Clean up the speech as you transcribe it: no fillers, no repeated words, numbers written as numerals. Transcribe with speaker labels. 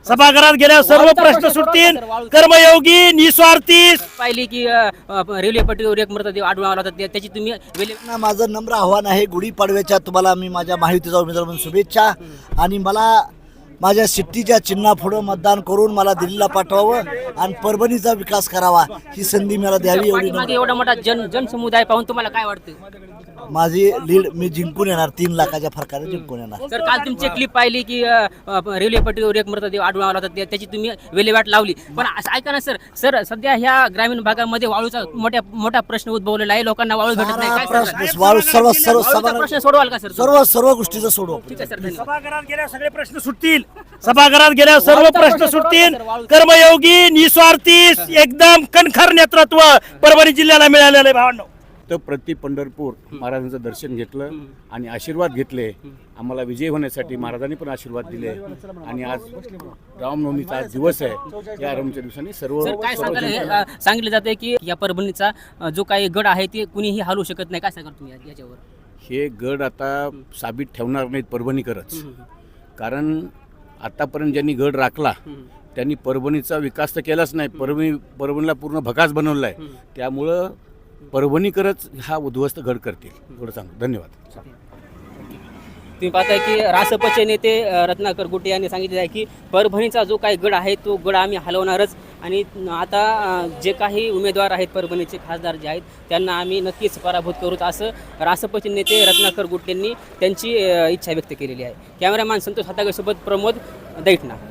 Speaker 1: सभागृहात गेल्यावर सर्व प्रश्न सुटतील. कर्मयोगी निस्वार्थी
Speaker 2: पाहिली की रेल्वे पट्टीवर एक मृतदेह आढळून आला होता त्याची तुम्ही
Speaker 3: ना माझं नम्र आव्हान आहे, गुढीपाडव्याच्या तुम्हाला मी माझ्या महायुतीचा उमेदवार म्हणून शुभेच्छा. आणि मला माझ्या शिट्टीच्या चिन्हापुढं मतदान करून मला दिल्लीला पाठवावं आणि परभणीचा विकास करावा ही संधी मला द्यावी एवढी
Speaker 2: मागे एवढा मोठा जनसमुदाय पाहून तुम्हाला काय वाटतं?
Speaker 3: माझी लीड मी जिंकून येणार, 3 लाखाच्या फरकाने जिंकून येणार.
Speaker 2: सर काल तुमची क्लिप पाहिली की रेल्वे पट्टीवर एक मृतदेह आढळून आला होता त्याची तुम्ही विल्हेवाट लावली. पण ऐका ना सर सध्या ह्या ग्रामीण भागामध्ये वाळूचा मोठा प्रश्न उद्भवलेला आहे. लोकांना वाळू भेटत नाही. काय
Speaker 3: प्रश्न वाळू
Speaker 2: प्रश्न सोडवाल का सर?
Speaker 3: सर्व गोष्टीचं सोडू.
Speaker 2: ठीक आहे सर, धन्यवाद.
Speaker 1: सभागृहात गेल्यावर सगळे प्रश्न सुटतील. सभागृहात गेल्यावर सर्व प्रश्न सुटतील. कर्मयोगी निस्वार्थी एकदम कणखर नेतृत्व परभणी जिल्ह्याला मिळालेलं आहे भावांनो.
Speaker 4: तर प्रति पंढरपूर महाराजांचं दर्शन घेतलं आणि आशीर्वाद घेतले. आम्हाला विजय होण्यासाठी महाराजांनी पण आशीर्वाद दिले. आणि आज रामनवमीचा आज दिवस आहे. या रामच्या दिवसांनी सर्व
Speaker 2: सर काय सांगितलं जाते की या परभणीचा जो काही गड आहे ते कुणीही हलवू शकत नाही. काय सांगाल तुम्ही याच्यावर?
Speaker 4: हे गड आता साबित ठेवणार नाहीत परभणीकरच. कारण आतापर्यंत ज्यांनी गड राखला त्यांनी परभणीचा विकास तर केलाच नाही. परभणीला पूर्ण भकास बनवला आहे. त्यामुळं परभणीकरच हा उद्ध्वस्त गड करतील. एवढं सांगतो. धन्यवाद.
Speaker 2: तुम्ही पाहताय की रासपचे नेते रत्नाकर गुटे यांनी सांगितले आहे की परभणीचा जो काही गड आहे तो गड आम्ही हलवणारच. आणि आता जे काही उमेदवार आहेत परभणीचे खासदार जे आहेत त्यांना आम्ही नक्कीच पराभूत करूत असं रासपचे नेते रत्नाकर गुटेंनी त्यांची इच्छा व्यक्त केलेली आहे. कॅमेरामॅन संतोष हातागेसोबत प्रमोद दैठणा.